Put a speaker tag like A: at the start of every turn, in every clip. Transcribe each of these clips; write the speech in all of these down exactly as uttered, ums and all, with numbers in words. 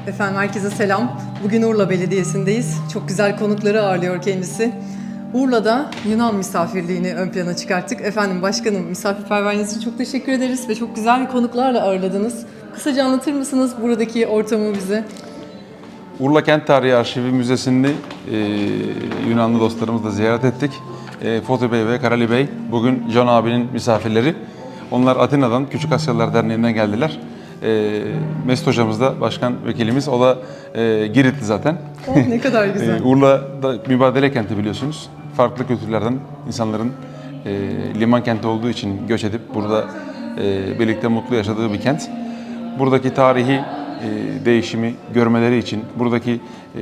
A: Efendim herkese selam. Bugün Urla Belediyesi'ndeyiz. Çok güzel konukları ağırlıyor kendisi. Urla'da Yunan misafirliğini ön plana çıkarttık. Efendim başkanım, misafirperverliğiniz için çok teşekkür ederiz ve çok güzel konuklarla ağırladınız. Kısaca anlatır mısınız buradaki ortamı bize?
B: Urla Kent Tarihi Arşivi Müzesi'ni e, Yunanlı dostlarımızla ziyaret ettik. E, Foto Bey ve Karali Bey bugün Can abinin misafirleri. Onlar Atina'dan, Küçük Asyalılar Derneği'nden geldiler. E, Mesut hocamız da başkan vekilimiz. O da e, Giritli zaten.
A: Oh, ne kadar güzel.
B: e, Urla'da mübadele kenti biliyorsunuz. Farklı kültürlerden insanların e, liman kenti olduğu için göç edip burada e, birlikte mutlu yaşadığı bir kent. Buradaki tarihi e, değişimi görmeleri için, buradaki e,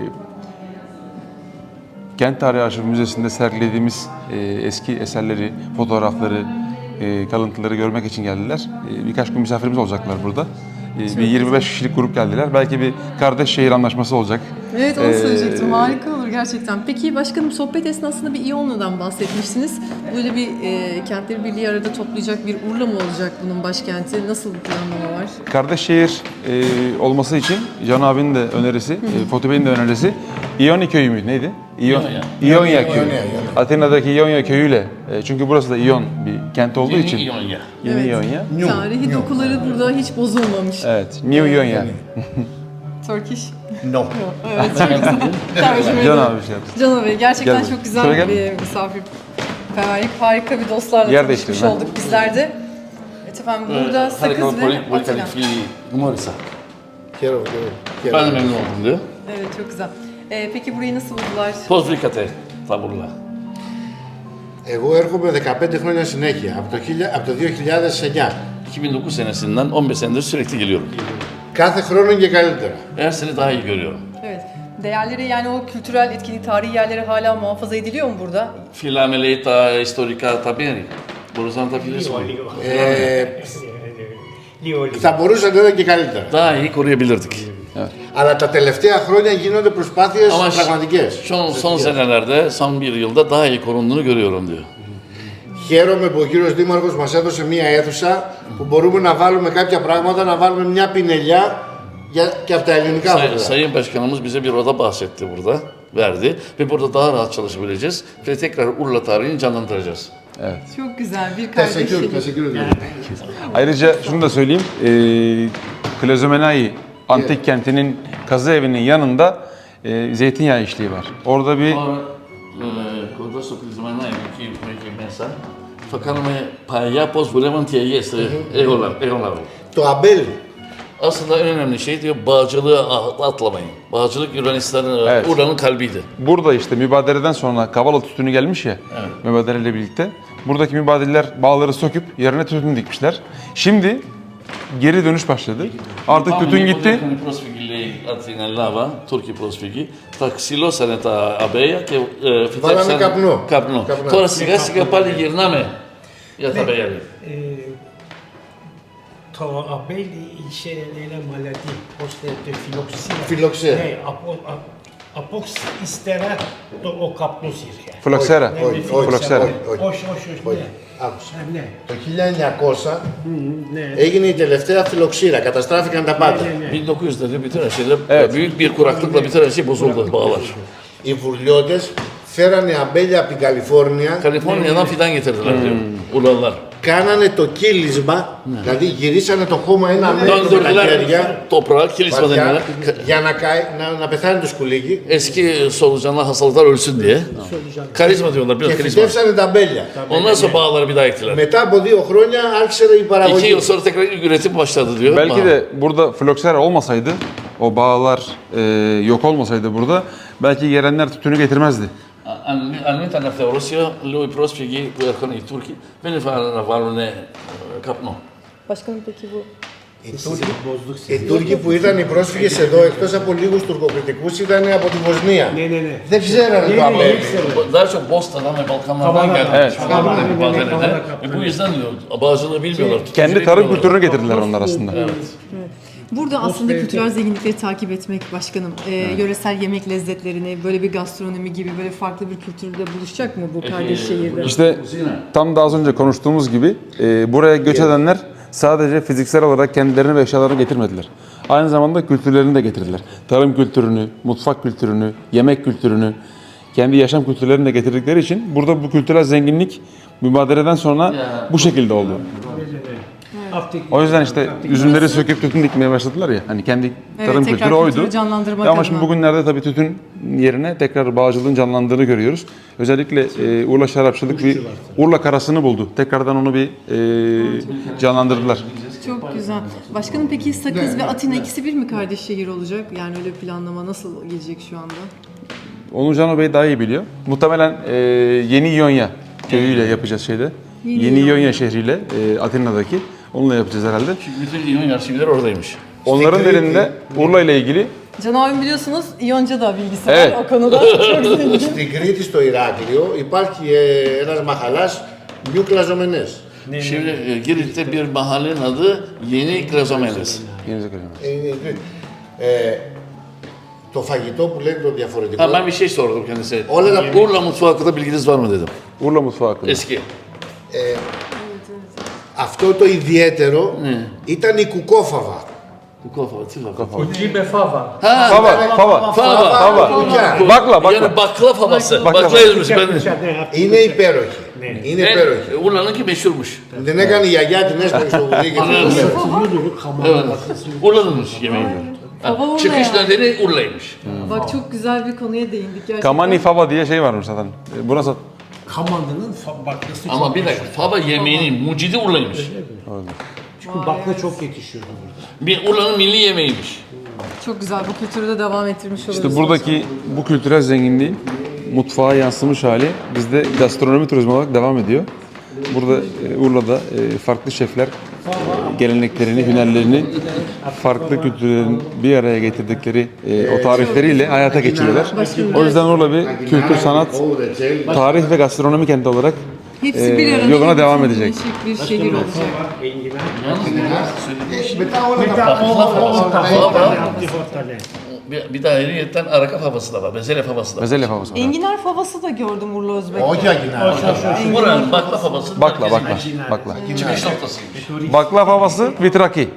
B: Kent Tarihi Arşivi Müzesi'nde sergilediğimiz e, eski eserleri, fotoğrafları, e, kalıntıları görmek için geldiler. E, birkaç gün misafirimiz olacaklar burada. E, bir yirmi beş kişilik grup geldiler. Belki bir kardeş şehir anlaşması olacak.
A: Evet, onu
B: Ee,
A: söyleyecektim. Harika olur gerçekten. Peki başkanım, sohbet esnasında bir İyonlu'dan bahsetmiştiniz. Böyle bir e, kentleri birliği arada toplayacak bir Urla mı olacak bunun başkenti? Nasıl bir planlama var?
B: Kardeş şehir e, olması için Can abinin de önerisi, e, Foto Bey'in de önerisi İoni köyü mü? Neydi? İyon, İonya köyü. Atina'daki İonya köyüyle. E, çünkü burası da İyon bir kent olduğu için.
C: Yeni İonya.
B: Yeni
A: Evet.
B: İonya.
A: Tarihi dokuları burada hiç bozulmamış.
B: Evet, New İonya.
A: Turkish.
D: No.
A: Evet, çok güzel. Tercüme
B: Can
A: ederim.
B: abi şey yapsın.
A: Can Bey, gerçekten
B: Gel.
A: çok güzel
B: Şöyle gel.
A: bir misafirperverlik. Harika bir dostlarla
B: Yer
A: tanışmış
B: değiştirin, ha.
A: olduk bizler de. Evet efendim, burada sakız ve Atina.
C: Numarisa.
D: Χαίρομαι,
C: Ben de
D: χαίρομαι.
C: memnun oldum diyor.
A: Evet, çok güzel. Ee, peki burayı nasıl buldular?
C: Πώς βρήκατε τα μπουρλά?
D: Εγώ έρχομαι δεκαπέντε χρόνια συνέχεια, από το, χίλια- από το δύο χιλιάδες εννιά.
C: iki bin dokuz senesinden on beş senedir sürekli geliyorum.
D: Κάθε χρόνο και καλύτερα.
C: Her sene daha iyi görüyorum.
A: Evet. Değerleri, yani o kültürel etkinlik, tarihi yerleri hala muhafaza ediliyor mu burada?
C: Φυλάμε λέει τα ιστορικά τα μέρη. Μπορείς να τα φιλήσεις μου.
D: Ε,
E: Λίγο, λίγο.
D: θα μπορούσε να ήταν και καλύτερα.
C: Daha iyi koruyabilirdik.
D: Αλλά τα τελευταία χρόνια γίνονται προσπάθειες
C: Ama
D: πραγματικές.
C: son, son senelerde, son bir yılda daha iyi korunduğunu görüyorum diyor.
D: Χαίρομαι που ο κύριος Δήμαρχος μας έδωσε μία αίθουσα που μπορούμε να βάλουμε κάποια πράγματα, να βάλουμε μια πινελιά για, και από τα ελληνικά
C: Say,
D: φωτιά.
C: Sayın Başkanımız bize bir oda bahsetti burada, verdi ve burada daha rahat çalışabileceğiz ve tekrar Urla tarihini canlandıracağız.
A: Çok güzel bir kardeş
D: Teşekkür,
A: şehir.
D: teşekkür ederim.
B: Ayrıca şunu da söyleyeyim, e, Klazomenai antik kentinin kazı evinin yanında e, zeytinyağı işliği var. Orada bir
C: Κοντά στο κλεισμένο εκεί που έχει μέσα, θα κάνουμε παλιά πώς βουλεύαν τι αγίες, εγόλαβε.
D: Το αμπέλι.
C: Aslında en önemli şey diyor, bağcılığı atlamayın. Bağcılık Yunanistan'ın,
B: Evet.
C: Urla'nın kalbiydi.
B: burada işte mübadeleden sonra Kavala tütünü gelmiş ya, mübadeleyle birlikte. Buradaki mübadeleler bağları söküp yerine tütün dikmişler. Şimdi geri dönüş başladı. Artık tütün gitti.
C: Οι πρόσφυγοι λέει από την Ελλάδα, Τούρκοι πρόσφυγοι, τα ξυλώσανε τα αμπέλια και ε, φυτέψανε
D: καπνό.
C: καπνό.
D: Καπνό.
C: Τώρα σιγά σιγά πάλι γυρνάμε για τα αμπέλια. λέει.
E: Ε, το αμπέλι είχε ένα μαλατί, ώστε τη φιλοξία.
D: Φιλοξία.
E: Ναι, από, α- από ύστερα το, ο καπνός ήρθε.
B: Floksera.
E: Ναι,
D: όχι,
E: με
D: όχι,
E: φιλοξία.
D: όχι, όχι.
E: όχι, όχι, όχι,
D: Όχι.
E: ναι.
D: Άκουσα.
E: Α, ναι.
D: Το χίλια εννιακόσια
E: Ναι.
D: έγινε η τελευταία φιλοξήρα, καταστράφηκαν τα πάντα.
E: Ναι, ναι.
C: bin dokuz yüzlerde bütün her şeyler,
B: Evet.
C: büyük bir kuraklıkla bütün her şey bozuldu, bağlar.
D: Οι βουρλιώτες φέρανε αμπέλια από την Καλιφόρνια,
C: Kaliforniya'dan fidan getirdiler diyor, Urlalılar.
D: κάνανε το κύλισμα, δηλαδή γυρίσανε το χώμα ένα μέτρο με τα
C: Döndürdüler
D: χέρια,
C: toprağı, kilisma
D: βαθιά,
C: denilen.
D: για να, καεί- να, να πεθάνει το σκουλίκι
C: Eski solucanlı hastalıklar ölsün diye. Karizma diyorlar,
D: και
C: biraz karizma.
D: φυτέψανε τα αμπέλια.
C: Ondan sonra bağları bir daha ektiler.
D: Μετά από δύο χρόνια άρχισε η
C: İki
D: παραγωγή.
C: yıl sonra tekrar ilk üretim başladı diyor.
B: Belki
C: Bağ.
B: de burada Floksera olmasaydı, o bağlar e, yok olmasaydı burada, belki gelenler tütünü getirmezdi.
C: Αν, αν ήταν Θεορώσιο, λέω οι πρόσφυγοι που έρχονται οι Τούρκοι δεν ήθελαν να βάλουν ε, καπνό.
A: Başkanım peki bu
D: Οι Τούρκοι, οι Τούρκοι που ήταν οι πρόσφυγες εδώ, εκτός από λίγους τουρκοκριτικούς, ήταν από τη Βοσνία.
E: Ναι, ναι, ναι.
D: Δεν ξέρανε
E: Ναι,
D: το
E: ναι,
D: αμπέλι.
E: ήξερα.
C: Daha çok Bosna'dan ve Balkanlardan
E: Kavala-
C: geldi.
B: Evet.
C: Kavala-
E: Evet,
C: Balkanlardan.
E: Kavala-
C: Ve bu yüzden diyor, bağcılığı bilmiyorlar. tütüncülüğü
B: Kendi tarım
C: bilmiyorlar.
B: kültürünü getirdiler onlar aslında.
A: Burada aslında kültürel zenginlikleri takip etmek başkanım, e, yöresel yemek lezzetlerini, böyle bir gastronomi gibi böyle farklı bir kültürde buluşacak mı bu kardeş şehirde?
B: İşte tam da az önce konuştuğumuz gibi e, buraya göç edenler sadece fiziksel olarak kendilerini ve eşyalarını getirmediler. Aynı zamanda kültürlerini de getirdiler. Tarım kültürünü, mutfak kültürünü, yemek kültürünü, kendi yaşam kültürlerini de getirdikleri için burada bu kültürel zenginlik mübadeleden sonra bu şekilde oldu. O yüzden işte üzümleri söküp tütün dikmeye başladılar ya. Hani kendi
A: Evet,
B: tarım
A: tekrar
B: kültürü
A: kültürü
B: oydu.
A: canlandırmak
B: Ya ama
A: adına.
B: şimdi bugünlerde tabii tütün yerine tekrar bağcılığın canlandığını görüyoruz. Özellikle e, Urla Şarapçılık bir Urla karasını buldu. Tekrardan onu bir e, canlandırdılar.
A: Çok güzel. Başkanım peki Sakız ve Atina ikisi bir mi kardeş şehir olacak? Yani öyle bir planlama nasıl gelecek şu anda?
B: Onu Cano Bey daha iyi biliyor. Muhtemelen e, Yeni İonya köyüyle yapacağız şeyde.
A: Yeni
B: Yeni,
A: İonya.
B: İonya şehriyle e, Atina'daki. Onunla yapacağız herhalde.
C: Bütün İyon arşivleri oradaymış.
B: Onların elinde Urla ile ilgili
A: Can abim biliyorsunuz İyonca da bilgisi
B: Evet.
A: var o konuda. Çok zengin.
D: Στην Κρήτη, στο Ηράκλειο, υπάρχει ε, ένας μαχαλάς Νιου Κλαζομενές.
C: Şimdi e, Girit'te bir mahallenin adı Yeni Krazomeles.
B: Yeni Zekeriya.
D: Ε, ε, το φαγητό που λένε το διαφορετικό.
C: Ha, ben bir şey sordum kendisine.
D: Όλα τα
C: Urla mutfağı hakkında bilginiz var mı dedim.
B: Urla mutfağı hakkında.
C: Eski.
D: Αυτό το idiαίτερο ήταν η κουκόφαβα.
C: Bu kafa, kafa.
E: Kuki be fava.
C: Ha,
B: Fava, fava,
C: fava.
B: fava.
D: Κουκιά.
B: Bakla, bakla.
C: Yani bakla favası.
B: Bakla.
C: Bakla yazmış ben.
D: Είναι υπέροχη. Είναι υπέροχη.
C: E, Urla'nınki meşhurmuş.
D: Den έκανε η γιαγιά, την έσπασε στο βουδί και την
C: Evet. Urla'nınmış yemeği.
A: Fava Urla
C: Çıkış
A: yani.
C: nedeni Urla'ymış.
A: Bak çok güzel bir konuya değindik gerçekten.
B: Kamani fava diye şey varmış zaten. E, Burası
E: Kamandı'nın fa- baklası
C: Ama
E: çok
C: bir dakika, fava yemeğinin mucidi Urla'ymış.
E: Çünkü bakla çok yetişiyordu burada.
C: Bir Urla'nın milli yemeğiymiş.
A: Çok güzel bu kültürü de devam ettirmiş oluruz.
B: İşte buradaki bu kültürel zenginliğin mutfağa yansımış hali bizde gastronomi turizmi olarak devam ediyor. Burada e, Urla'da e, farklı şefler e, geleneklerini, hünerlerini farklı kültürlerin bir araya getirdikleri e, o tarifleriyle hayata geçiriyorlar. O yüzden Urla bir kültür, sanat, tarih ve gastronomi kenti olarak
A: Hepsi bir
B: e,
A: arada
B: yoluna devam edecek.
A: Bir şehir olacak.
E: Enginar.
D: Μετά όλα
E: Μετά
D: τα
E: o
C: Fava.
E: ortalığı ortalığı.
C: Bir, bir daha ayrıyetten araka favası da var, bezelye favası da var.
B: Bezelye favası var.
A: Enginar favası da gördüm Urla Özbek'te.
D: Όχι αγινά.
C: Buranın bakla favası
B: Bakla, bakla, bakla.
C: çıkış noktasıymış.
B: Bakla favası vitraki.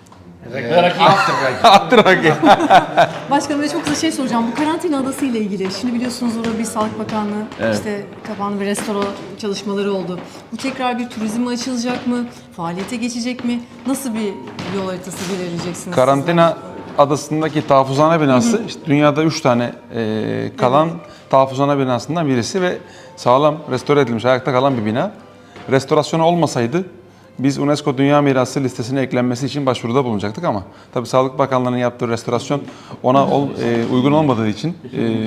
B: Atraki.
A: Başkanım ve çok kısa şey soracağım. Bu karantina adası ile ilgili. Şimdi biliyorsunuz orada bir Sağlık Bakanlığı işte kapandı ve restore çalışmaları oldu. Bu tekrar bir turizme açılacak mı? Faaliyete geçecek mi? Nasıl bir yol haritası belirleyeceksiniz?
B: Karantina adasındaki tahfuzhane binası işte dünyada üç tane e, kalan tahfuzhane binasından birisi ve sağlam restore edilmiş, ayakta kalan bir bina. Restorasyonu olmasaydı biz UNESCO Dünya Mirası listesine eklenmesi için başvuruda bulunacaktık ama tabii Sağlık Bakanlığı'nın yaptığı restorasyon ona ol, e, uygun olmadığı için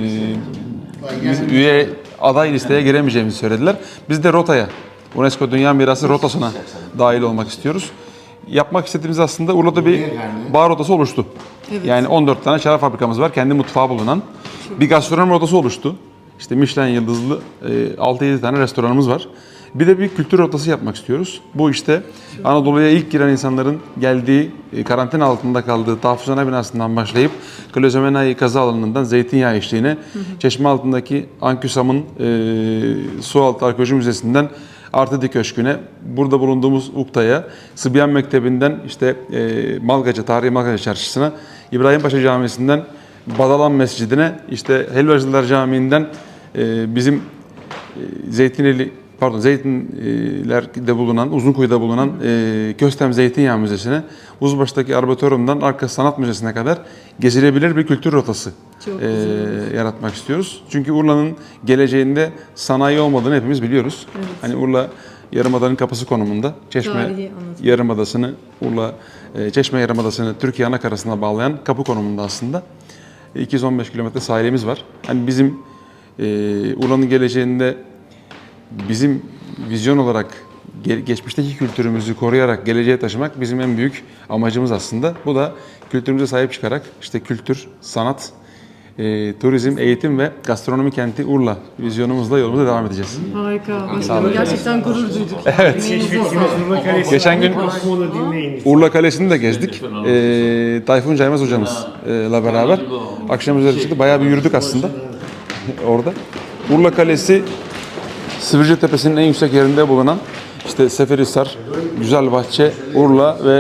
B: e, biz üye aday listeye giremeyeceğimizi söylediler. Biz de rotaya, UNESCO Dünya Mirası rotasına dahil olmak istiyoruz. Yapmak istediğimiz aslında Urla'da bir bar rotası oluştu.
A: Evet.
B: Yani on dört tane şarap fabrikamız var, kendi mutfağı bulunan. Bir gastronomi rotası oluştu. İşte Michelin yıldızlı e, altı yedi tane restoranımız var. Bir de bir kültür rotası yapmak istiyoruz. Bu işte Anadolu'ya ilk giren insanların geldiği, e, karantina altında kaldığı tahfuzhane binasından başlayıp Klozomenai kazı alanından zeytinyağı eşliğine, çeşme altındaki Anküsam'ın e, Sualtı Arkeoloji Müzesi'nden Artıdi Köşkü'ne, burada bulunduğumuz Ukta'ya, Sıbyan Mektebi'nden işte e, Malgaca, Tarihi Malgaca Çarşısı'na, İbrahimpaşa Camisi'nden Badalan Mescidi'ne, işte Helvacılar Camii'nden e, bizim e, Zeytineli, pardon Zeytinler'de bulunan, Uzunkuyu'da bulunan e, Köstem Zeytinyağı Müzesi'ne, Uzbaş'taki Arboretum'dan Arka Sanat Müzesi'ne kadar gezilebilir bir kültür rotası
A: Çok
B: e, yaratmak istiyoruz. Çünkü Urla'nın geleceğinde sanayi olmadığını hepimiz biliyoruz. Hani Urla Yarımada'nın kapısı konumunda. Çeşme
A: Tarihi anlatım.
B: Yarımadası'nı, Urla e, Çeşme Yarımadası'nı Türkiye ana karasına bağlayan kapı konumunda aslında. iki yüz on beş kilometre sahilimiz var. Hani bizim e, Urla'nın geleceğinde bizim vizyon olarak ge- geçmişteki kültürümüzü koruyarak geleceğe taşımak bizim en büyük amacımız aslında. Bu da kültürümüze sahip çıkarak işte kültür, sanat, e, turizm, eğitim ve gastronomi kenti Urla vizyonumuzla yolumuza devam edeceğiz.
A: Harika. Başkanım gerçekten gurur duyduk.
E: Keşfettiğimiz Urla Kalesi.
B: Geçen gün-
E: Onu dinleyiniz.
B: Urla Kalesi'ni de gezdik. E, Tayfun Caymaz hocamızla beraber. Akşam üzeri çıktı. Bayağı bir yürüdük aslında orada. Urla Kalesi Sivrice Tepesi'nin en yüksek yerinde bulunan işte Seferihisar, Güzelbahçe, Urla ve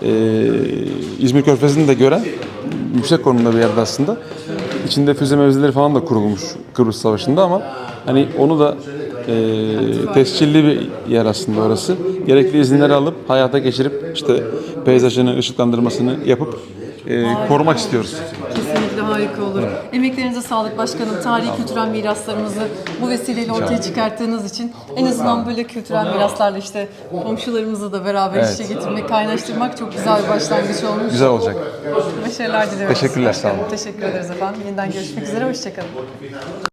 B: e, İzmir Körfezi'ni de gören yüksek konumda bir yerde aslında. İçinde füze mevzileri falan da kurulmuş Kıbrıs Savaşı'nda ama hani onu da e, tescilli bir yer aslında orası. Gerekli izinleri alıp hayata geçirip işte peyzajını, ışıklandırmasını yapıp e, korumak istiyoruz.
A: Kesinlikle harika olur. Emeklerinize sağlık başkanım. Tarihi kültürel miraslarımızı bu vesileyle ortaya çıkarttığınız için en azından böyle kültürel miraslarla işte komşularımızı da beraber
B: Evet.
A: işe getirmek, kaynaştırmak çok güzel bir başlangıç olmuş.
B: Güzel olacak.
A: Başarılar diliyoruz.
B: Teşekkürler, sağ olun.
A: Teşekkür ederiz efendim. Yeniden görüşmek üzere. Hoşçakalın.